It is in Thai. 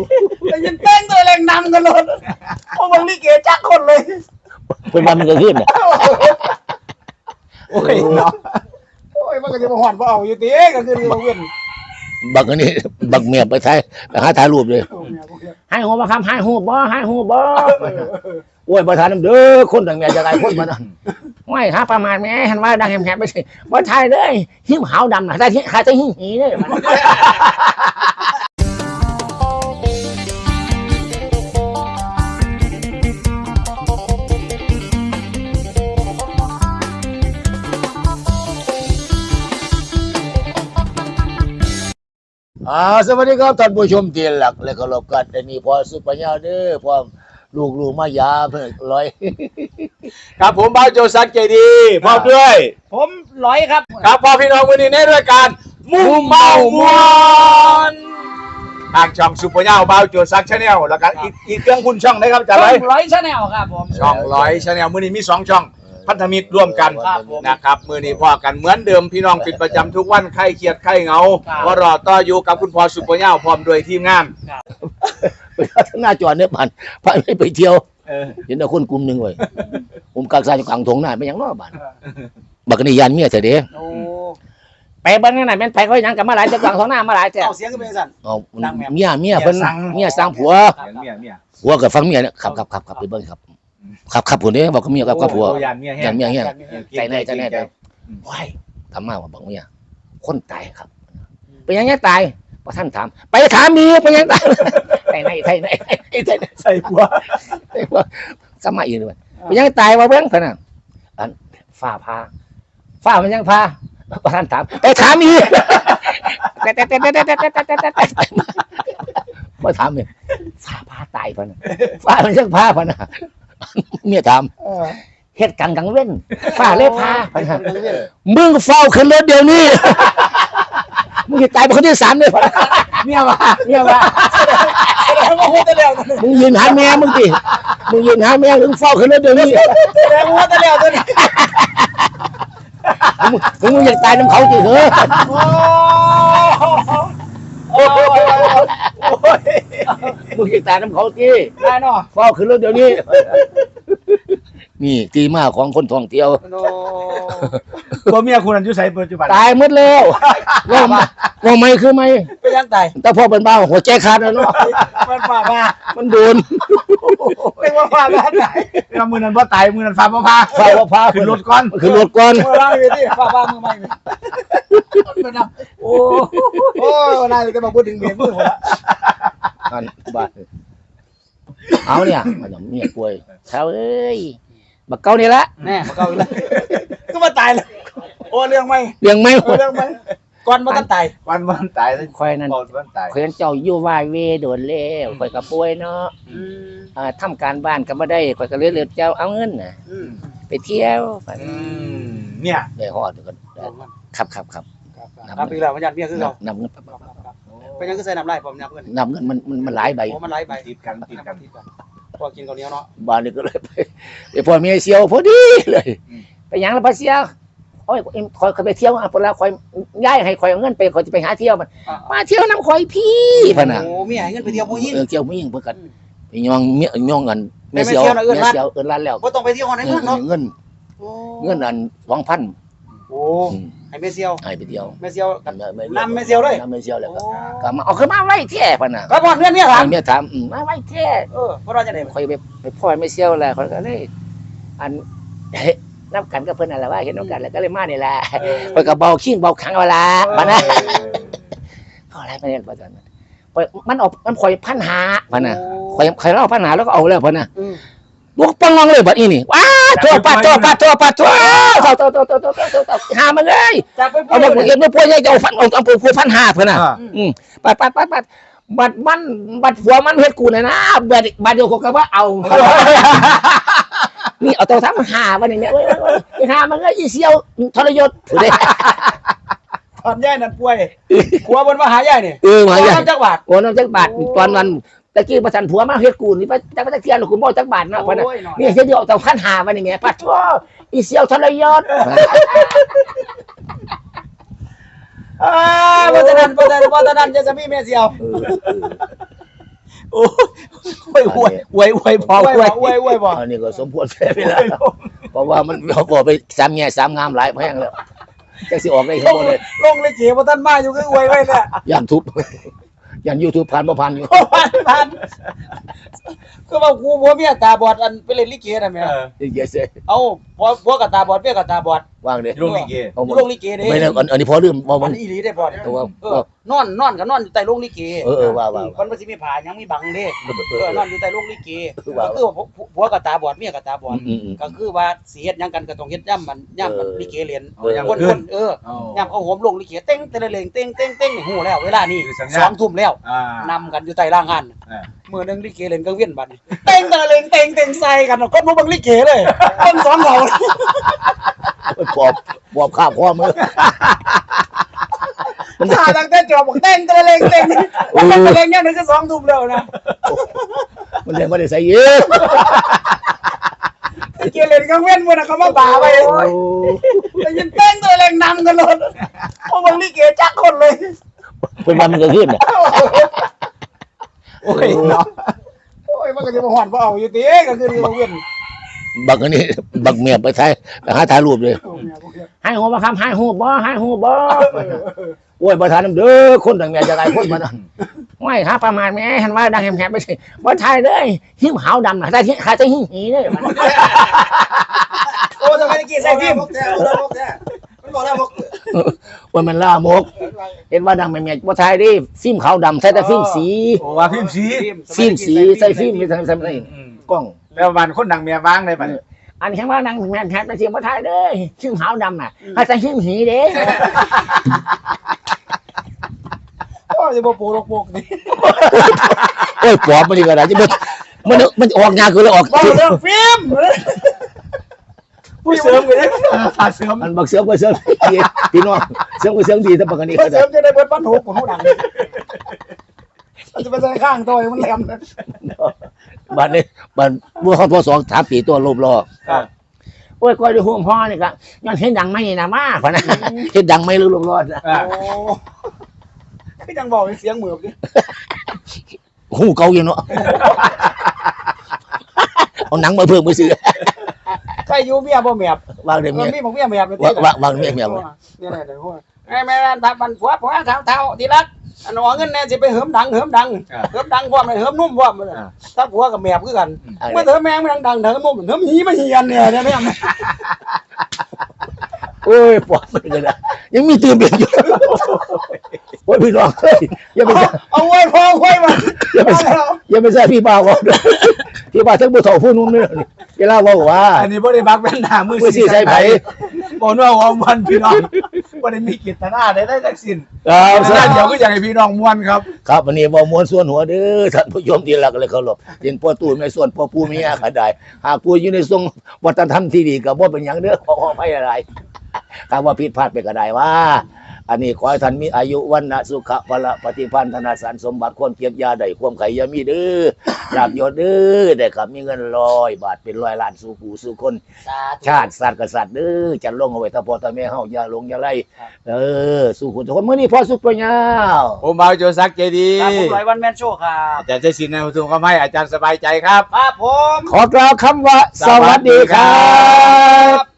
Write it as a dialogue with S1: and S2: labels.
S1: แต่ยันเต้นตัวแรงนำกันเลยพวกมึงนี่เก๋จักคนเลย
S2: เป็นวันมันก็ขึ้นเนี่ย
S1: โอ้ยเนาะโอ้ยมันก็จะมาหอนว่าเอาอยู่ตีก็คือมาเว้น
S2: บักอันนี้บักเมียไปถ่ายไปหาถ่ายรูปเลยให้หัวมาคำให้หัวบ่ให้หัวบ่โอ้ยประธานเด้อคนดังเมียจะไงคนมาไม่หาประมาณแม่เห็นว่าดังแหบๆไปสิบ่ถ่ายเลยหิ้วหาวดำนะแต่ที่หาจะหิ้วหีเลยสวัสดีครับท่านผู้ชมที่หลักและเคารพกันแต่นี่พอสุปัญญาเด้อพร้อมลูกมายาเพิ่นร้อย
S3: ครับผมบ่าวโจซักใจดีพร้อมด้วย
S1: ผมร้อยครับ
S3: ครับพ่อพี่น้องวันนี้ในรายการมุ่งเมามวนทางช่องซุปเปอร์เน่าบ่าวโจซักชาแนลแล้วก็อีกเครื่องคุณช่องนะครับจ้าเลย
S1: ร้อยชาแนลครับผม
S3: ช่องร้อยชาแนลมื้อนี้มี2ช่องพันธมิตรร่วมกันนะครับมื้อนี้พ่อกันเหมือนเดิมพี่น้องเป็นประจำทุกวันใครเครียดใครเหงาว่ารอต่ออยู่กับคุณพ่อซุปเปอร์เน่าพร้อมด้วยทีมงาน
S2: หน้าจอเนี่ยผ่านไปเที่ยวเห็นแต่คนกลุ่มหนึ่งเว้ยผมกางซายอยู่กลางทงหน้าไม่ยังน้อบ้านบักนี่ยันเมียเถอะเด้ไปบ้านไหนแม่นไปเขายังกับมาหลายจะกลางทงหน้ามาหลายแต่
S1: เอาเสียงก็เป็นสั่น
S2: เมียเพิ่นเมียสร้างผัวผัวกับฟังเมียเนี่ยขับไปเบิ่งขับผมเนี่ยบอกกับเมียกับผัวยันเมียใจแน่ว้ายทำมาว่าบอกเมียคนตายครับไปยังไงตายพอท่านถามไปถามมีไปยังตายใส่ผัวสมัยอื่นด้วยไปยังตายว่าเบิ้งขนาดอันฝ้ามันยังพาพอท่านถามไปถามมีพอถามเนี่ยฝ้าตายพะนะฝ้ามันยังพาพะนะเมียถามเฮ็ดกังเว้นฝ้าเล็บพาพะนะมึงเฝ้าขึ้นรถเดี๋ยวนี้มึงจะตายเป็นคนที่3เลยเมียว่ามึงยืนหาแม่มึงยืนหาแม่มึงเฝ้าขึ้นรถเดี๋ยวนี้
S1: แสดงว่าตะเลียวตัวนี้
S2: มึงอยากตายน้ำเขาจริงเหรอมึงอยากตายน้ำเขาจริง
S1: ได้เนาะ
S2: เฝ้าขึ้นรถเดี๋ยวนี้นี่ตีมาของคนท่องเที่ยว
S3: ตัวเมียคุณอายุไสปัจจุบัน
S2: ตายหมดแล้วว่าไม่คือไม่
S1: ไปยังตาย
S2: แต่พอเป็นบ้าหัวใจขาดแล้วเนาะ
S1: มันฝ่าบ้า
S2: มันโดน
S1: เรียกว่าฝ่าบ้าตาย
S3: มือนั้นบ่ตายมือนั้นฝ่าบ่พาขึ้นรถก่อน
S1: เล่าไปที่ฝ่าบ้ามือใหม่โอ้นายจะมาพูดถึงเมียมือผมละ
S2: บ้าเอาเนี่ยมันเมียป่วยเช้าเอ้ยบักเก้านี่ละ
S1: แน่บักเก้าอีกแล้วก็มาตายเลยโอ้เรื่องไม่ก่อนมันตาย
S2: คอยนั่นคอยเจ้าอยู่วายเวโดนเล่คอยกับป่วยเนาะทำการบ้านก็ไม่ได้คอยก็เลยเจ้าเอาเงินน่ะไปเที่ยว
S3: เนี่ย
S2: ได้ฮอดกันครับ
S1: นับอีกแล้วมันยันเบี้ยคือเรา
S2: นับเงิน
S1: เป็นยังก็ใส่นับไล่ผมนับเงิ
S2: นมันหลายใบ
S1: มันหลายใบ
S3: ติดกัน
S1: พอกินข้าวเหนียวเนาะ
S2: บ้านนี้ก็เลยไปพอเมียเสียวพอดีเลยไปยังแล้วพอเสียวโอ้ยคอยไปเที่ยวพอแล้วคอยย้ายให้คอยเอาเงินไปคอยจะไปหาเที่ยวมันมาเที่ยวน้ำคอยพี่พะนะ
S1: โอ้มีให้เงินไปเที่ยวผู้หญิง
S2: เที่ยวผู้หญิงเพื่อกันไปย่องกันเมียเสียวร้านแล้ว
S1: ก็ต้องไปเที่ยวในเมืองเนาะ
S2: เงินอัน2,000
S1: โอ้ให้เมเซียว
S2: ให้ไปเที่ยว
S1: เมเซียวนำเมเซียวเลย
S2: นำเมเซียวเลยก็มาเอาขึ้นมาไว้แท้พะนะ
S1: ก็บอกเมียถาม
S2: มาไว้แท้
S1: เพราะเราจะได้
S2: คอยไปพ่อเมเซียวแหละคอยก็เลยอันนับกันก็เพิ่นอะไรว่าเห็นน้องกันแล้วก็เลยมานี่แหละคอยก็เบาขิ้งเบาขังเวลาพะนะก็อะไรไปเนี่ยพะจันมันออกมันคอย1,500พะนะคอยเล่า1,500แล้วก็เอาแล้วพะนะลูกปังงเลยบัดนี้นี่ว้าตัวปัดหามาเลยเอามาเห็นว่าพวกนี้จะเอาฟันเอาปู1,500เพิ่นน่ะปัดบัดหัวมันเฮ็ดกูน่ะนะบัดเดียวก็ว่าเอานี่เอาตัวทั้ง5วันนี้แม่เอ้ยหามันก็อีเสียวทรยศเด้
S1: ตอนย่ายนั่นป่วยผัวบนมาหาย่ายนี่
S2: มาย่าย
S1: น้ำจักบาท
S2: ตอนนั้นตะกี้ประสันผัวมาเฮ็ดกูนี่จักเที่ยนกูบ่จักบาทเนาะพ่นน่ะนี่เดี๋ยวเอาตัว1,500วันนี้แม่ปัดทั่วอีเสียวทรยศ
S1: เพราะฉะนั้นจะมีเมียเสียว
S3: โอ้ยอวยพออวยบ่
S2: อันนี้ก็สมควรแพ้ไปแล้วเพราะว่ามันเขาบอกไป3แง่3งามหลายแพงแล้วจักสิออกได้เห็นบ่เลย
S1: ลงเลยเก๋บ่ทันมาอยู่คืออวยไว้เนี่ย
S2: ย่านทุบย่าน YouTube ผ่านบ่ผ่านอยู่
S1: ผ่านคือว่ากูผัวเมียตาบอดอันไปเล่นลิเกน่ะแม่
S2: เยอะเซ่
S1: เอาผัวกับตาบอดเมียกับตาบอด
S2: วางเด้
S3: ลงลิเก
S2: เอาหมด
S1: ลงลิเกเด้
S2: ไม่ได้อันนี้พอลืมบ่
S1: อั
S2: มัน น
S1: อีหลีได้บ่
S2: ตัวว่า
S1: นอนก็นอนอยู่ใต้โรงลิเก
S2: ว่า
S1: มันบ่สิมีผ้าหยังมีบังเด้นอนอยู่ใต้โรงลิเก
S2: ว่า
S1: ก็คือผัวกับตาบอดเมียกับตาบอด
S2: อืม
S1: ก็คือว่าสิเฮ็ดหยังกันก็ต้องเฮ็ดย่ำมันลิเกเรียน
S3: อย่าง
S1: คน
S3: ขึ้น
S1: ย่ำเอาโหมลงลิเกเต้งเตะเลงเต้งนี่ฮู้แล้วเวลานี้
S3: คือสัญญาณ
S1: 2 ทุ่มแล้ว นำกันอยู่ใต้ร่างงานมื้อนึงลิเกเล่นกลางเวียนบัดนี้เต้งเตะเลงเต้งใส่กันคนบ่เบิ่งลิเกเลยคนสองเหงา
S2: ปอบข้าวพ่อมือ
S1: ถ้าตั้งแต่จบบอกเต้งเตะเลงเต้งเนี่ยนึงก็2 ทุ่มแล้วนะ
S2: มันยังไม่ได้ใส่เยอะ
S1: ลิเกเล่นกลางเวียนมื้อน่ะเขามาบ่าไว้ได้ยินเต้งเตะเลงนำกันเลยบ่เบิ่งลิเกจักคนเลย
S2: เป็นวันมันก็ขึ้น
S3: โอ้ยเนาะ
S1: โอ้ยมันก็จะมาหอนบ่เอาอยู่ติก็คืออยู่เวียน
S2: บักอันนี้บักเมียไปถ่ายรูปเลยให้หัวบ่ครับให้หูบ่โอ้ยบ่ทันเด้อคนต่างแม่จะได้คนมานั่นไม่ครับประมาณแม่เห็นว่าดังแหบๆไปสิบ่ถ่ายเลยหิ้มขาวดำน่ะได้ที่ขาจะหิ้งหีเด้อ
S1: โอ้ทำไมตะกี้ใส่ฟิล์ม
S3: มันบอกแล้วบอก
S2: ว่ามันล่ามกเห็นว่าดังแม่บ่ถ่ายดิฟิล์มขาวดำใส่แต่ฟิล์มสี
S3: โอ้ว่าพิมพ์สี
S2: ฟิล์มสีใส่ฟิล์มไม่ใส่กล้อง
S3: แล้ววันคนดังเมียวางเลยบัด
S2: อันนี้ว่าดังแหบๆไปสิบ่ถ่ายเลยหิ้มขาวดำน่ะให้แต่หิ้งหีเด้
S1: โอ้ยจะบ่ปูลกปกนี่
S2: โอ้ยปอบมันดีกว่าจะมันออกงานคือแล้วออก
S1: บ่เรื่องฟิล์ม
S3: ผู้เสริมกันเลยขาดเสริม
S2: มันบักเสือก็เสือดีพี่น้องเสือก็เสือดีแต่ปกติ
S1: เสริมจะได้เบิดปันหกของเฮาดังมันจะไปใส่ข้างตัวมันแหลม
S2: บัดนี้บัดเมื่อเขาพอ2-3 ปีตัวรูปรอโอ้ยก้อยดูห่วงพ่อนี่ก็ย้อนเห็นดังไม่นะมาพะนะเห็นดังไม่รูปรอดนะ
S1: โอ้คือจังบอกเสียงเหมือบดิ
S2: หูเก่าอยู่เนาะเอาหนังมาเพิ่มมือซื้อ
S1: ใครอยู่เมียบ่แมบ
S2: วางเดี๋ยว
S1: มัน
S2: เมีย
S1: มีของเมียแมบ
S2: วางเมีย
S1: นี่แหละเดี๋ยวพูดไอ้แม่ทับมันผัวเท้าที่รักอันว่าเงินแน่สิไปเหิมดังพร้อมเลยเหิมนุ่มพร้อมเลยถ้าผัวกับแมบคือกันเมื่อเหิมแมงมันดังเหิมนุ่มเหิมหีมันเหียนเนี่ยแม่
S2: โอ้ยปวดมันเลยนะยังมีตื่นเบียดอยู่โอ้ยพี่น้องเฮ้ยอย่าไป
S1: เอาไว้พอไว้มา
S2: อย่าไปใส่พี่บ่าวก่อนพี่บ่าวทั้งผู้เฒ่าผู้นุ่มนี่เวลาว่า
S3: อันนี้บ่ได้บักแว่นหน้ามือ
S2: มือสี่ใส่ไผ
S3: บ่ว่าวันพี่น้องบ่ได้มีกิจนาได้ทั้งสิ้น
S2: ครับ
S3: น่าเดี๋ยวก็อยากให้พี่น้องม่วนครับ
S2: ครับวันนี้บ่มวนส่วนหัวเด้อท่านผู้ชมที่รักเลยเคารพเห็นพ่อตู่ในส่วนพ่อปู่มีอาก็ได้หากปู่อยู่ในทรงวัฒนธรรมที่ดีก็บ่เป็นหยังเด้อขออภัยอะไรถ้าว่าผิดพลาดไปก็ได้ว่า อันนี้ขอให้ท่านมีอายุวันนะสุขะพละปฏิพันธนาสารสมบัติความเก็บยาได้ความไข่ยามีเด้อลาบยศเด้อได้ครับมีเงิน100 บาทเป็น100 ล้านสู่ผู้สู่คน ชาติศาสตร์กษัตริย์เด้อจะลงเอาไว้ถ้าพ่อถ้าแม่เฮาอย่าลงอย่าไล่สู่คนทุกคนมื้อนี้พ่อสุขปัญญา
S3: ผมบ่าวโจซักใจดี
S1: ครับผม100 วันแมนโชว์ครับ
S3: อาจารย์ใจสินนะผู้ชมก็ให้อาจารย์สบายใจครับ
S1: ครับผม
S2: ขอกล่าวคำว่าสวัสดีครับ